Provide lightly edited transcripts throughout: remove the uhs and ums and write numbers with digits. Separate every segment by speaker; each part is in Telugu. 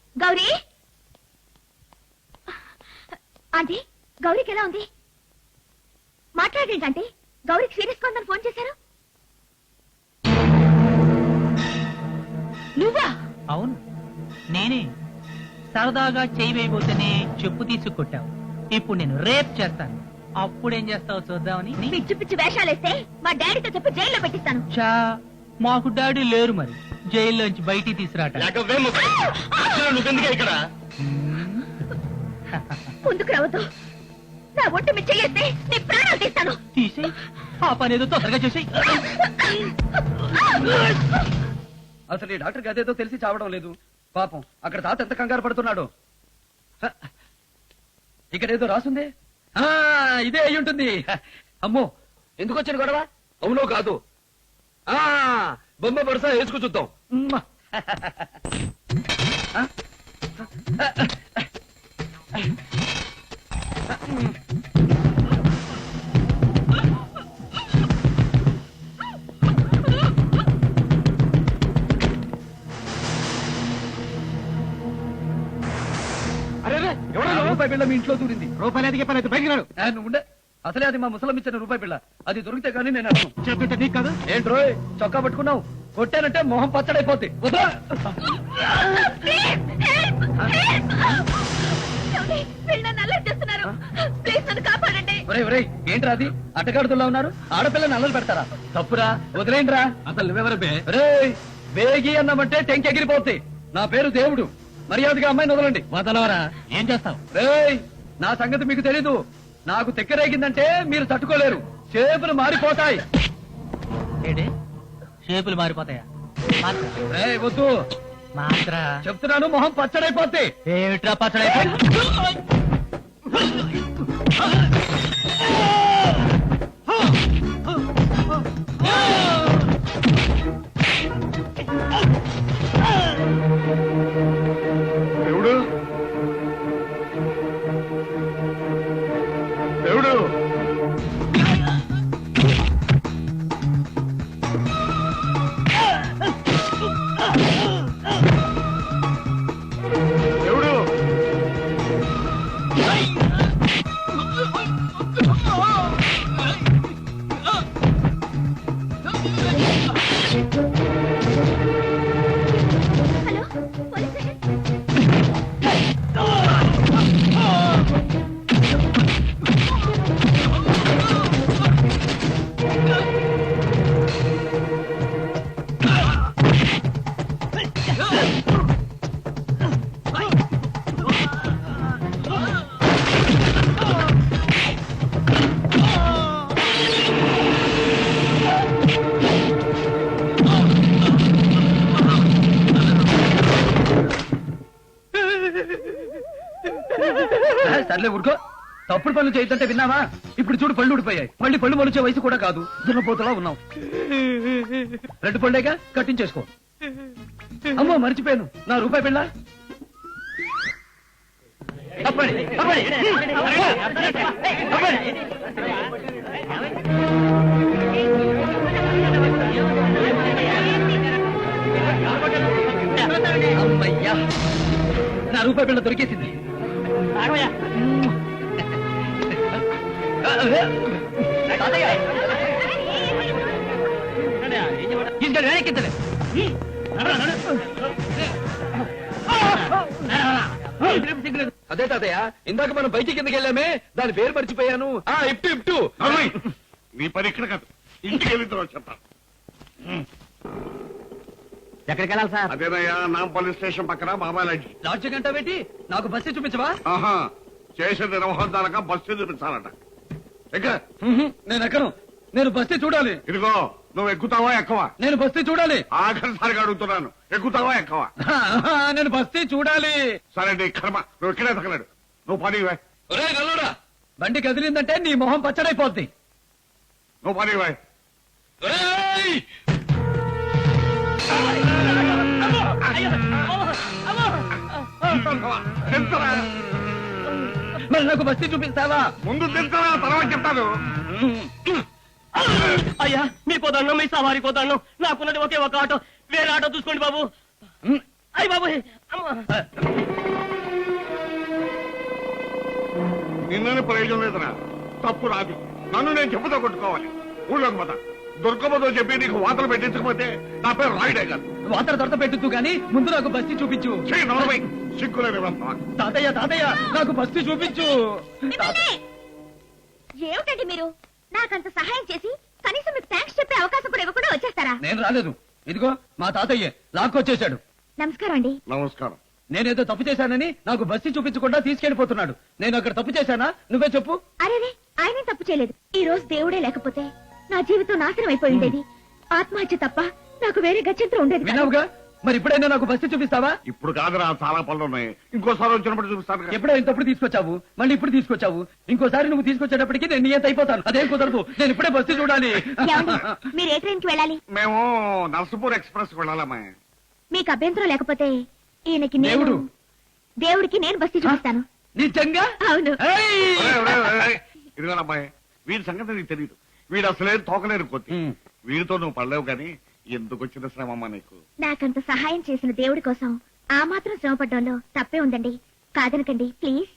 Speaker 1: గౌరీ ఆంటీ, గౌరీకి ఎలా ఉంది? మాట్లాడేంటి ఆంటీ? గౌరీకి సీరియస్ గా ఉందని ఫోన్ చేశారు. నువ్వా?
Speaker 2: అవును, నేనే. సరదాగా చేయి వేయబోతేనే చెప్పు తీసుకొట్టావు. ఇప్పుడు నేను రేప్ చేస్తాను. అప్పుడేం చేస్తావు చూద్దామని.
Speaker 1: పిచ్చి పిచ్చి వేషాలేస్తే మా డాడీతో చెప్పి జైల్లో పెట్టిస్తాను.
Speaker 2: చా, మాకు డాడీ లేరు, మరి జైల్లోంచి బయటికి తీసుకురాట.
Speaker 3: ఇక్కడ
Speaker 1: ముందుకు రావద్దు. నా ఒట్టు మీద చెయ్యేస్తే నీ ప్రాణాలు తీస్తాను.
Speaker 2: తీసేయ్, ఆ పని ఏదో తొందరగా చేసేయ్.
Speaker 4: అసలు ఈ డాక్టర్ గదేదో తెలిసి చావడం లేదు. పాపం అక్కడ తాత ఎంత కంగారు పడుతున్నాడు. ఇక్కడేదో రాసుంది. ఇదే అయి ఉంటుంది. అమ్మో, ఎందుకు వచ్చిన గొడవ?
Speaker 3: అవునో కాదు, బొమ్మ పడసా వేసుకు చూద్దాం.
Speaker 4: రూపాయి బిళ్ళ మీ ఇంట్లో దూరింది.
Speaker 3: రూపాయలు ఎదిగే పని అయితే బయటికి రాడు.
Speaker 4: నువ్వు ఉండే. అసలే అది మా ముసలం ఇచ్చిన రూపాయి బిళ్ళ. అది దొరికితే గానీ నేను అర్థం
Speaker 3: చెప్తుంటే నీకు కాదు.
Speaker 4: ఏంట్రోయ్ చొక్కా పట్టుకున్నావు? కొట్టానంటే మొహం పచ్చడైపోద్ది. వదరా. ఏంట్రా అది? అట్టగాడుతున్నా ఉన్నారు. ఆడపిల్లని అల్లలు పెడతారా? తప్పురా, వదిలేంట్రా.
Speaker 3: అసలు నువ్వెవరు బే?
Speaker 4: బేగి అన్నామంటే టెంక్ ఎగిరిపోద్ది. నా పేరు దేవుడు. మర్యాదగా అమ్మాయిని వదలండి.
Speaker 3: వదలవరా, ఏం చేస్తావు?
Speaker 4: నా సంగతి మీకు తెలీదు. నాకు తెక్కరేగిందంటే మీరు తట్టుకోలేరు. చేపలు మారిపోతాయి.
Speaker 2: ఏంటి షేపులు మారిపోతాయా?
Speaker 4: వద్దు
Speaker 2: మాత్ర
Speaker 4: చెప్తున్నాను, మొహం పచ్చడైపోద్ది.
Speaker 2: ఏమిట్రా పచ్చడైపోయి?
Speaker 3: దేవుడు, దేవుడు, దేవుడు.
Speaker 1: Hello, police station.
Speaker 4: సర్లే ఊరుకో. తప్పుడు పనులు చేయొద్దంటే విన్నావా? ఇప్పుడు చూడు, పళ్ళు ఊడిపోయాయి. మళ్ళీ పళ్ళు మొలిచే వయసు కూడా కాదు. దున్నపోతలా ఉన్నావు. రెండు పళ్ళేగా, కట్టించేసుకో. అమ్మో, మర్చిపోయాను. నా రూపాయి బిళ్ళ. అప్పటి అమ్మయ్యా, నా రూపాయి బిళ్ళ దొరికేసింది. అదే తాతయ్య, ఇందాక మనం బయటికి కిందకి వెళ్ళామే, దాని పేరు మర్చిపోయాను. ఇప్టు.
Speaker 3: నీ పని ఇక్కడ కాదు, ఇంటికి వెళ్ళిన తర్వాత చెప్తాను.
Speaker 2: ఎక్కడికి వెళ్ళాలి సార్?
Speaker 3: అదేనయ్యా, నాంపల్లి స్టేషన్ పక్కన బాబాయ్ లాడ్జి.
Speaker 4: లాడ్జి గంట పెట్టి నాకు బస్సు చూపించవా?
Speaker 3: ఆహా, చేసిన నిర్వహణ బస్సు చూపించాలట.
Speaker 4: నేను ఎక్కను. నేను బస్తీ చూడాలి.
Speaker 3: ఇదిగో, నువ్వు ఎక్కుతావా ఎక్కవా?
Speaker 4: నేను బస్తీ చూడాలి.
Speaker 3: ఆఖరిసారిగా అడుగుతున్నాను, ఎక్కుతావా ఎక్కవా?
Speaker 4: నేను బస్తీ చూడాలి.
Speaker 3: సరే నీ కర్మ, నువ్వు ఇక్కడే తగలడు. నువ్వు పని
Speaker 4: నల్లుడా, బండి కదిలిందంటే నీ మొహం పచ్చడైపోద్ది.
Speaker 3: నువ్వు పని
Speaker 4: మరి నాకు బస్తీ చూపిస్తావా?
Speaker 3: ముందు తింటావా, తర్వాత చెప్తాను.
Speaker 2: అయ్యా, మీ పోదాను, మీ సవారి పోదాను. నాకున్నది ఒకే ఒక ఆటో. వేరే ఆటో చూసుకోండి బాబు. అయ్య బాబోయ్ అమ్మ
Speaker 5: నిన్ననే ప్రయోజనం లేదరా, తప్పు రాదు. నన్ను నేను చెప్పుతో కొట్టుకోవాలి. ఊళ్ళోకి పోతా. దుర్గమ్మతో చెప్పి నీకు వాతలు పెట్టించకపోతే నా పేరు రాయుడే కాదు.
Speaker 4: వాతర దొరత పెట్టు కానీ ముందు నాకు బస్తీ చూపించు.
Speaker 5: సిగ్గులేని
Speaker 4: తాతయ్య తాతయ్య నాకు బస్తీ చూపించు.
Speaker 1: ఏమిటండి మీరు నాకంత సహాయం చేసి కనీసం మీకు థ్యాంక్స్ చెప్పే అవకాశం కూడా ఇవ్వకుండా వచ్చేస్తారా?
Speaker 4: నేను రాలేదు, ఇదిగో మా తాతయ్య లాక్కొచ్చేశాడు.
Speaker 1: నమస్కారం అండి.
Speaker 5: నమస్కారం.
Speaker 4: నేనేదో తప్పు చేశానని నాకు బస్తీ చూపించకుండా తీసుకెళ్లిపోతున్నాడు. నేను అక్కడ తప్పు చేశానా? నువ్వే చెప్పు.
Speaker 1: అరేరే, ఆయన తప్పు చేయలేదు. ఈ రోజు దేవుడే లేకపోతే నా జీవితం నాశనం అయిపోయి ఉండేది. ఆత్మహత్య తప్ప నాకు వేరే గత్యంతరం ఉండేది కాదు.
Speaker 4: విన్నావుగా, మరి ఇప్పుడైనా నాకు బస్తీ చూపిస్తావా?
Speaker 5: ఇప్పుడు కాదురా, చాలా పనులు ఉన్నాయి. ఇంకోసారి వచ్చినప్పుడు చూపిస్తాను కదా.
Speaker 4: ఎప్పుడో ఇంతప్పుడు తీసుకొచ్చావు, మళ్ళీ ఇప్పుడు తీసుకొచ్చావు. ఇంకోసారి నువ్వు తీసుకొచ్చేటప్పటికి నేను నియంత అయిపోతాను. అదేం కుదరదు, నేను ఇప్పుడే బస్తీ చూడాలి.
Speaker 1: ఏమండి, మీరు ఏ ట్రైన్ కి వెళ్ళాలి?
Speaker 5: మేము నర్సపూర్ ఎక్స్ప్రెస్ వెళ్ళాలమ్మా.
Speaker 1: మీకు అభ్యంతరం లేకపోతే ఈయనకి
Speaker 4: దేవుడు.
Speaker 1: దేవుడికి నేను బస్తీ చూపిస్తాను.
Speaker 4: నిజంగా?
Speaker 1: అవును.
Speaker 4: ఏయ్!
Speaker 5: ఇదిగో అమ్మాయి, వీడి సంగతి నీకు తెలియదు. వీడు అసలే తోకలేరు కొద్ది. వీడితో నువ్వు పడలేవు కానీ ఎందుకు వచ్చిన శ్రమమ్మా నీకు?
Speaker 1: నాకంత సహాయం చేసిన దేవుడి కోసం ఆ మాత్రం శ్రమ పడ్డంలో తప్పే ఉందండి. కాదనకండి ప్లీజ్.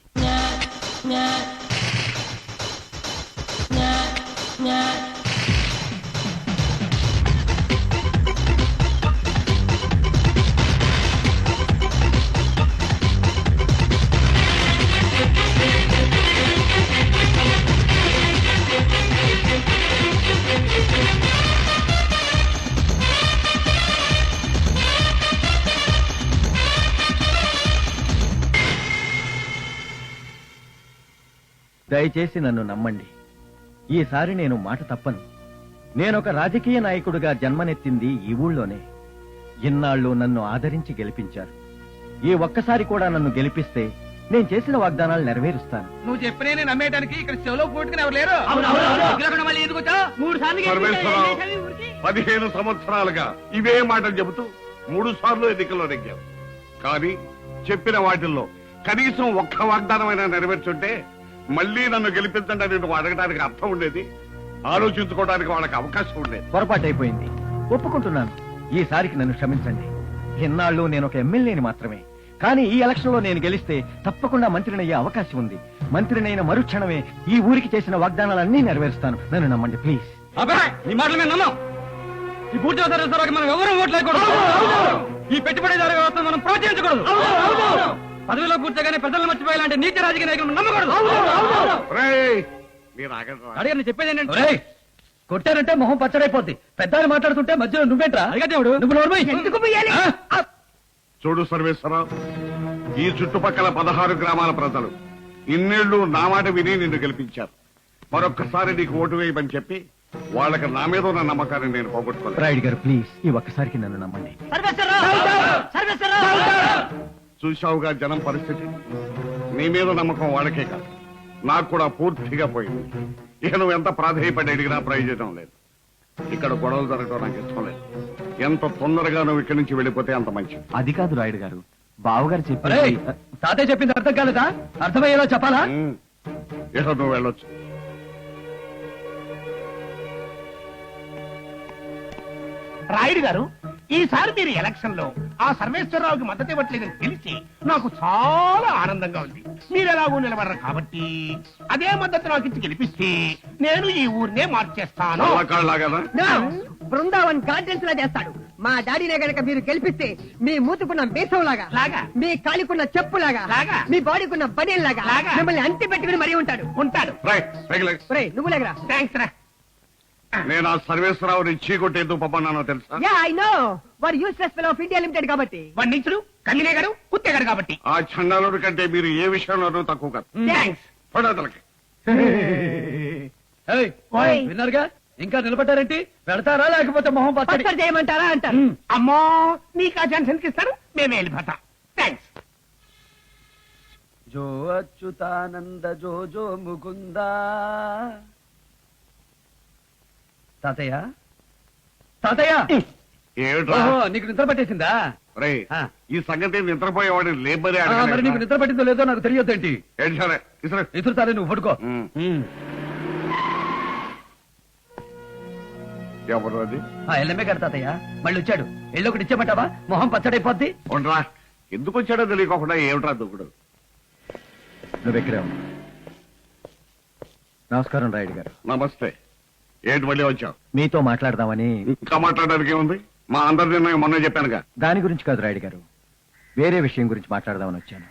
Speaker 6: దయచేసి నన్ను నమ్మండి. ఈసారి నేను మాట తప్పను. నేనొక రాజకీయ నాయకుడిగా జన్మనెత్తింది ఈ ఊళ్ళోనే. ఇన్నాళ్ళు నన్ను ఆదరించి గెలిపించారు. ఈ ఒక్కసారి కూడా నన్ను గెలిపిస్తే నేను చేసిన వాగ్దానాలు నెరవేరుస్తాను.
Speaker 4: నువ్వు చెప్పినే నేను నమ్మేయడానికి ఇక్కడ చెవులో పోటుకుని ఎవరు లేరు. మళ్ళీ ఎందుకు వచ్చావు?
Speaker 2: 3 సార్లు
Speaker 5: పరమేశ్వరరావు, 15 సంవత్సరాలుగా ఇవే మాటలు చెబుతూ 3 సార్లు ఎన్నికల్లో నెగ్గావు. కానీ చెప్పిన వాటిల్లో కనీసం ఒక్క వాగ్దానమైనా నెరవేర్చుంటే మళ్ళీ నన్ను గెలిపించండి అని నువ్వు అడగడానికి అర్థం ఉండేది. ఆలోచించుకోవడానికి వాళ్ళకి అవకాశం ఉండేది.
Speaker 6: పొరపాటైపోయింది, ఒప్పుకుంటున్నాను. ఈసారికి నన్ను క్షమించండి. ఇన్నాళ్ళు నేను ఒక ఎమ్మెల్యేని మాత్రమే. కానీ ఈ ఎలక్షన్ లో నేను గెలిస్తే తప్పకుండా మంత్రినయ్యే అవకాశం ఉంది. మంత్రినైన మరుక్షణమే ఈ ఊరికి చేసిన వాగ్దానాలన్నీ నెరవేరుస్తాను. నన్ను నమ్మండి ప్లీజ్.
Speaker 4: అబ్బాయి, నీ మాటలు మేము నమ్మం. ఈ పూర్తి సర్వీస్ మనం ఎవరు ఓట్లు వేయకూడదు. ఈ పెట్టుబడిదారు వ్యవస్థను మనం ప్రోత్సహించకూడదు. పదవిలో కూర్చోగానే ప్రజలు మర్చిపోయేలాంటి నీతి రాజకీయ నాయకులు నమ్మకూడదు.
Speaker 5: రేయ్, మీరు ఆగండి రా.
Speaker 4: అడిగాను చెప్పేది ఏంటంటే, కొట్టారంటే మొహం పచ్చడైపోద్ది. పెద్దాన్ని మాట్లాడుతుంటే మధ్యలో నువ్వేంట్రా? దేవుడు నువ్వు నోరు మూయి.
Speaker 5: చూడు సర్వేశ్వరరావు, ఈ చుట్టుపక్కల 16 గ్రామాల ప్రజలు ఇన్నేళ్లు నా మాట విని నిన్ను గెలిపించారు. మరొక్కసారి నీకు ఓటు వేయమని చెప్పి వాళ్ళకి నా మీద ఉన్న నమ్మకాన్ని నేను పోగొట్టుకోలేదు.
Speaker 6: రాయుడు గారు ప్లీజ్, ఈ ఒక్కసారికి నన్ను నమ్మండి.
Speaker 5: చూశావుగా జనం పరిస్థితి. నీ మీద నమ్మకం వాళ్ళకే కాదు, నాకు కూడా పూర్తిగా పోయింది. ఇక నువ్వు ఎంత ప్రాధేయపడి అడిగినా ప్రయోజనం లేదు. ఇక్కడ గొడవలు జరగడం నాకు ఇష్టం లేదు. ఎంత తొందరగా నువ్వు ఇక్కడి నుంచి వెళ్ళిపోతే అంత మంచిది.
Speaker 6: అది కాదు రాయుడు గారు, బావగారు
Speaker 4: రేయ్,
Speaker 6: చెప్పారు.
Speaker 4: తాతయ్య చెప్పింది అర్థం కాలేదా? అర్థమయ్యేలా చెప్పాలా?
Speaker 5: ఇక నువ్వు వెళ్ళొచ్చు.
Speaker 7: రాయుడు గారు, ఈసారి మీరు ఎలక్షన్ లో ఆ సర్వేశ్వరరావుకి మద్దతు ఇవ్వట్లేదని తెలిసి నాకు చాలా ఆనందంగా ఉంది. మీరు ఎలాగో నిలబడరు కాబట్టి అదే మద్దతు నాకు ఇచ్చి గెలిపిస్తే నేను ఈ ఊరినే మార్చేస్తాను.
Speaker 5: అలాకాళ్ళలాగానా?
Speaker 8: బృందావన్ గార్డెన్స్ లా చేస్తాడు. మా డాడీనే గనక మీరు గెలిపిస్తే మీ మూతుకున్న మీసం లాగా,
Speaker 7: లాగా,
Speaker 8: మీ కాలికున్న చెప్పు లాగా,
Speaker 7: లాగా,
Speaker 8: మీ బాడీకున్న బనీన్ లాగా,
Speaker 7: లాగా
Speaker 8: మిమ్మల్ని అంటి పెట్టుకుని మరీ ఉంటాడు. నువ్వు లేకరా.
Speaker 7: థ్యాంక్స్ రా.
Speaker 5: నేను ఆ సర్వేశ్వరరావుని చీకొట్టేందుకు పంపన్నానో తెలుసా?
Speaker 8: యా ఐ నో, వారు useless fellow of India limited కాబట్టి.
Speaker 7: వాడు నీచుడు, కమ్మినేగాడు, కుత్తేగాడు కాబట్టి.
Speaker 5: ఆ చండాలుడి కంటే మీరు ఏ విషయంలోనూ తక్కువ కాదు.
Speaker 7: థ్యాంక్స్.
Speaker 5: పడతలకి
Speaker 4: ఏయ్, విన్నారుగా, ఇంకా నిలబడ్డారేంటి? వెళతారా లేకపోతే మొహం పచ్చడి
Speaker 8: పచ్చడి చేయమంటారా అంటారు.
Speaker 7: అమ్మో, నీకు ఆ ఛాన్స్ ఎందుకు ఇస్తారు? మేమే వెళ్ళిపోతాం. థ్యాంక్స్.
Speaker 4: జో అచ్యుతానంద జో జో ముకుందా. తాతయ్య, తాతయ్య,
Speaker 5: ఏమిట్రా?
Speaker 4: ఓహో, నీకు నిద్ర పట్టేసిందా?
Speaker 5: రేయ్,
Speaker 4: ఆ.
Speaker 5: ఈ సంగతి నిద్రపోయేవాడిని లేబరే
Speaker 4: మరి నీకు నిద్ర పట్టిందో లేదో నాకు తెలియదేంటి?
Speaker 5: సరే ఇసరే.
Speaker 4: ఎదురుతారే, నువ్వు పడుకో.
Speaker 5: ఎవరు అది?
Speaker 4: ఎల్ఎంఏ గారు తాతయ్య మళ్ళీ వచ్చాడు. ఎళ్ళి ఒకటి ఇచ్చేమంటావా? మొహం పచ్చడైపోద్ది.
Speaker 5: ఉండరా, ఎందుకు వచ్చాడో తెలియకోకుండా ఏమిట్రా దుక్కుడు.
Speaker 6: నువ్వెక్కడే ఉన్నా. నమస్కారం రాయుడు గారు.
Speaker 5: నమస్తే. ఏంటి మళ్ళీ వచ్చావు?
Speaker 6: మీతో మాట్లాడదామని.
Speaker 5: ఇంకా మాట్లాడడానికి ఏముంది? మా అందరి నిర్ణయం మొన్న చెప్పానుగా.
Speaker 6: దాని గురించి కాదు రాయుడు గారు, వేరే విషయం గురించి మాట్లాడదామని వచ్చాను.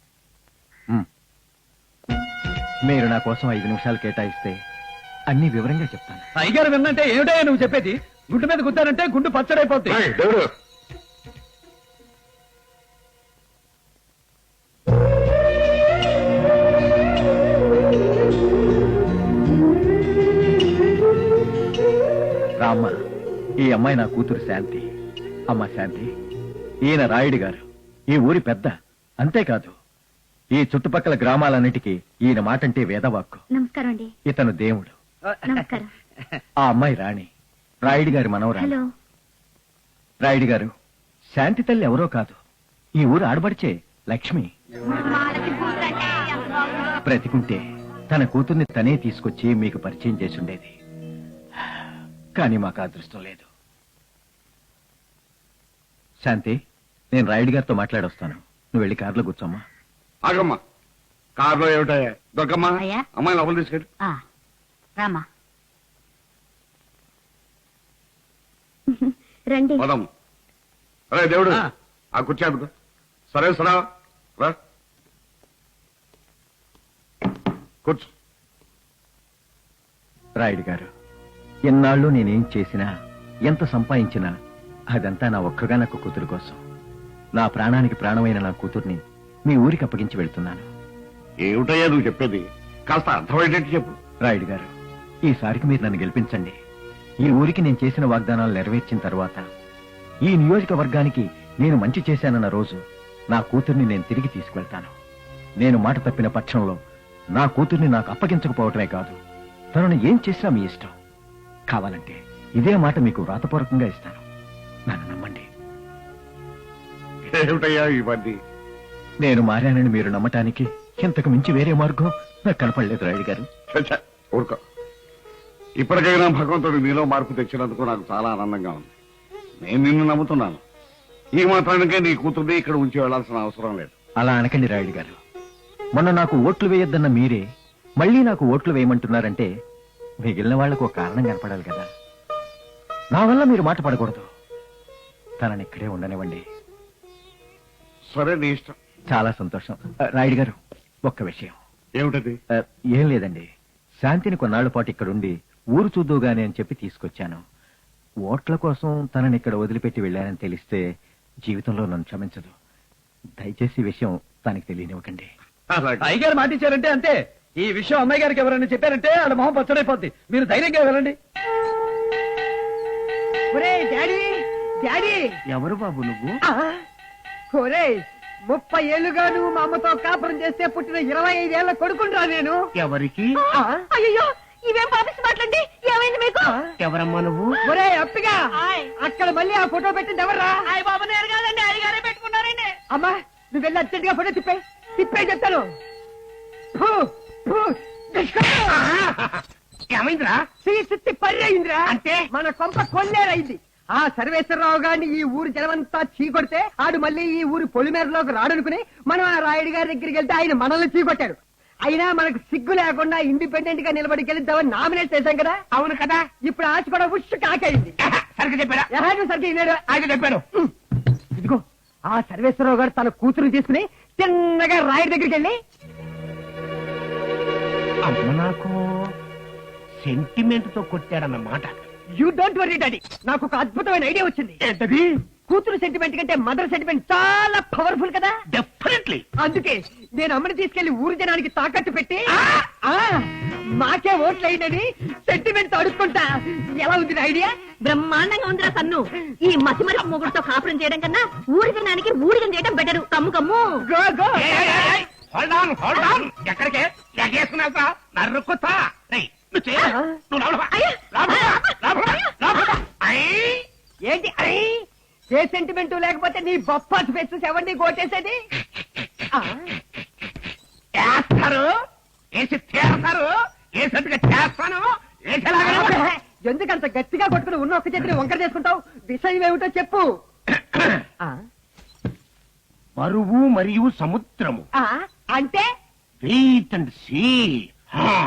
Speaker 6: మీరు నా కోసం 5 నిమిషాలు కేటాయిస్తే అన్ని వివరంగా చెప్తాను.
Speaker 4: అయ్యగారు విన్నంటే ఏమిటో నువ్వు చెప్పేది? గుడ్డు మీద గుద్దానంటే గుండు పచ్చడైపోద్ది.
Speaker 5: ఏయ్, దేవుడు.
Speaker 6: రామ్మ, ఈ అమ్మాయి నా కూతురు శాంతి. అమ్మ శాంతి, ఈయన రాయుడు గారు, ఈ ఊరి పెద్ద. అంతేకాదు ఈ చుట్టుపక్కల గ్రామాలన్నిటికీ ఈయన మాటంటే వేదవాక్కు.
Speaker 1: నమస్కారం అండి.
Speaker 6: ఇతను దేవుడు.
Speaker 1: నమస్కారం.
Speaker 6: ఆ అమ్మాయి రాణి, రాయుడు గారి మనవరాలు.
Speaker 1: హలో.
Speaker 6: రాయుడు గారు, శాంతి తల్లి ఎవరో కాదు, ఈ ఊరు ఆడబడిచే లక్ష్మి. బ్రతికుంటే తన కూతుర్ని తనే తీసుకొచ్చి మీకు పరిచయం చేసుండేది. కానీ మాకు అదృష్టం లేదు. శాంతి, నేను రాయుడు గారితో మాట్లాడొస్తాను. నువ్వు వెళ్ళి కారులో కూర్చోమ్మా.
Speaker 5: ఆగమ్మా, కారులో ఏమిటాయా? దొరకమ్మా,
Speaker 1: అయ్యా.
Speaker 5: అమ్మాయి లోపల తీసుకెళ్ళి.
Speaker 1: రామా రండి.
Speaker 5: పదం. అరే దేవుడు, ఆ కుర్చీ అందుకో. సరే సరా, రా కూర్చో.
Speaker 6: రాయుడు గారు, ఎన్నాళ్ళు నేనేం చేసినా, ఎంత సంపాదించినా అదంతా నా ఒక్కగానొక్క కూతురు కోసం. నా ప్రాణానికి ప్రాణమైన నా కూతుర్ని మీ ఊరికి అప్పగించి వెళ్తున్నాను.
Speaker 5: ఏమిటయ్యా నువ్వు చెప్పేది? కాస్త అర్థమయ్యేటట్టు చెప్పు.
Speaker 6: రాయుడు గారు, ఈసారికి మీరు నన్ను గెలిపించండి. ఈ ఊరికి నేను చేసిన వాగ్దానాలు నెరవేర్చిన తర్వాత, ఈ నియోజకవర్గానికి నేను మంచి చేశానన్న రోజు నా కూతుర్ని నేను తిరిగి తీసుకువెళ్తాను. నేను మాట తప్పిన పక్షంలో నా కూతుర్ని నాకు అప్పగించకపోవటమే కాదు, తనను ఏం చేసినా మీ ఇష్టం. కావాలంటే ఇదే మాట మీకు వ్రాతపూర్వకంగా ఇస్తాను. నన్ను నమ్మండి.
Speaker 5: ఏమిటయ్యా ఇవన్నీ?
Speaker 6: నేను మారానని మీరు నమ్మటానికి ఇంతకు మించి వేరే మార్గం నాకు కనపడలేదు రాయుడు గారు.
Speaker 5: చచ్చా, ఊరుకో. ఇప్పటికైనా భగవంతుడు నీలో మార్పు తెచ్చినందుకు నాకు చాలా ఆనందంగా ఉంది. నేను నిన్ను నమ్ముతున్నాను. ఈ మాత్రానికే నీ కూతుర్ని ఇక్కడ ఉంచి వెళ్లాల్సిన అవసరం లేదు.
Speaker 6: అలా అనకండి రాయుడు గారు. మొన్న నాకు ఓట్లు వేయొద్దన్న మీరే మళ్ళీ నాకు ఓట్లు వేయమంటున్నారంటే మిగిలిన వాళ్లకు ఒక కారణం కనపడాలి కదా. నా వల్ల మీరు మాట పడకూడదు. తనని ఇక్కడే ఉండనివ్వండి.
Speaker 5: సరే, నీ ఇష్టం.
Speaker 6: చాలా సంతోషం. రాయుడు గారు, ఒక్క విషయం.
Speaker 5: ఏమిటది?
Speaker 6: ఏం లేదండి, శాంతిని కొన్నాళ్ల పాటు ఇక్కడుండి ఊరు చూద్దుగానే అని చెప్పి తీసుకొచ్చాను. ఓట్ల కోసం తనని ఇక్కడ వదిలిపెట్టి వెళ్ళానని తెలిస్తే జీవితంలో నన్ను క్షమించదు. దయచేసి ఈ విషయం తనకి తెలియనివ్వకండి.
Speaker 5: అలాగే.
Speaker 4: అయ్యగారు మాట ఇచ్చారంటే అంతే. ఈ విషయం అమ్మాయి గారికి ఎవరైనా చెప్పారంటే వాళ్ళ మొహం పచ్చడైపోద్ది. మీరు ధైర్యంగా వెళ్ళండి.
Speaker 8: ఒరే డాడీ, డాడీ.
Speaker 7: ఎవరు బాబు నువ్వు?
Speaker 8: ఒరే, 30 ఏళ్లుగా నువ్వు మా అమ్మతో కాపురం చేస్తే పుట్టిన 25 ఏళ్ల కొడుకుంటా నేను.
Speaker 7: ఎవరికి?
Speaker 1: అయ్యో, ఇవేం పాపిస్తు మాట్లాడి. ఏమైంది మీకు?
Speaker 7: ఎవరమ్మా నువ్వు?
Speaker 8: ఒరే అప్పిగా, అక్కడ మళ్ళీ ఆ ఫోటో పెట్టింది ఎవర్రా?
Speaker 1: బాబు నేరు కాదండి, అడిగారే పెట్టుకున్నారండి.
Speaker 8: అమ్మా, నువ్వు వెళ్ళి అర్జెంట్ గా ఫోటో తిప్పే చెప్తాను. ఫు, ఫు, దుష్కర్మ.
Speaker 7: ఏమైందిరా?
Speaker 8: తిప్పి పర్రయిందిరా.
Speaker 7: అంటే?
Speaker 8: మన కొంప కొల్లేరైంది. ఆ సర్వేశ్వరరావు గారిని ఈ ఊరు జనమంతా చీకొడితే ఆడు మళ్ళీ ఈ ఊరు పొలిమేరలోకి రాడనుకుని మనం ఆ రాయుడు గారి దగ్గరికి వెళ్తే ఆయన మనల్ని చీకొట్టాడు. అయినా మనకు సిగ్గు లేకుండా ఇండిపెండెంట్ గా నిలబడి గెలుద్దామని నామినేట్ చేశాం కదా.
Speaker 7: అవును కదా.
Speaker 8: ఇప్పుడు ఆశ కూడా ఉష్ కాకైంది.
Speaker 7: సరిగ్గా చెప్పారా?
Speaker 8: సరిగ్గా విన్నాడు.
Speaker 7: ఆయన చెప్పాను.
Speaker 8: ఇదిగో ఆ సర్వేశ్వరరావు గారు తన కూతురు తీసుకుని చిన్నగా రాయుడి దగ్గరికి వెళ్ళి,
Speaker 7: అమ్మ నాకు సెంటిమెంట్ తో కొట్టాడన్నమాట.
Speaker 8: యూ డోంట్ వరీ డాడీ, నాకు ఒక అద్భుతమైన ఐడియా వచ్చింది.
Speaker 7: ఏంటది?
Speaker 8: కూతురు సెంటిమెంట్ కంటే మదర్ సెంటిమెంట్ చాలా పవర్ఫుల్ కదా.
Speaker 7: డెఫినెట్లీ.
Speaker 8: అందుకే నేను అమ్మని తీసుకెళ్లి ఊరు జనానికి తాకట్టు పెట్టి మాకే ఓట్లు అయ్యిందని సెంటిమెంట్ అడుక్కుంటా. ఎలా ఉంది నా ఐడియా?
Speaker 1: బ్రహ్మాండంగా ఉందిరా సన్ను. ఈ మసిమరి మొగుడుతో కాపురం చేయడం కన్నా ఊరి జనానికి ఊడిగం చేయడం better. Come come.
Speaker 8: Go go.
Speaker 7: Hold on, hold on. ఎక్కడికే ఎగేసుకున్నావా? నరుకుతా. నువ్వు చేయ, నువ్వు లోపల.
Speaker 1: అయ్యా.
Speaker 7: లోపల.
Speaker 8: ఏంటి అయ్యి? ఏ సెంటిమెంట్ లేకపోతే నీ బొప్పాస్ ఫెస్ట్ ఎవరిని కోటేసేది?
Speaker 7: చేస్తారు, వేసి తీరతారు, వేసేట్టుగా చేస్తాను.
Speaker 8: ఎందుకంత గట్టిగా కొట్టుకుని ఉన్న ఒక్క చేతిని వంకర చేసుకుంటావు? విషయం ఏమిటో చెప్పు. ఆ,
Speaker 7: బరువు మరియు సముద్రము
Speaker 8: ఆ, అంటే
Speaker 7: వెయిట్ అండ్ సీ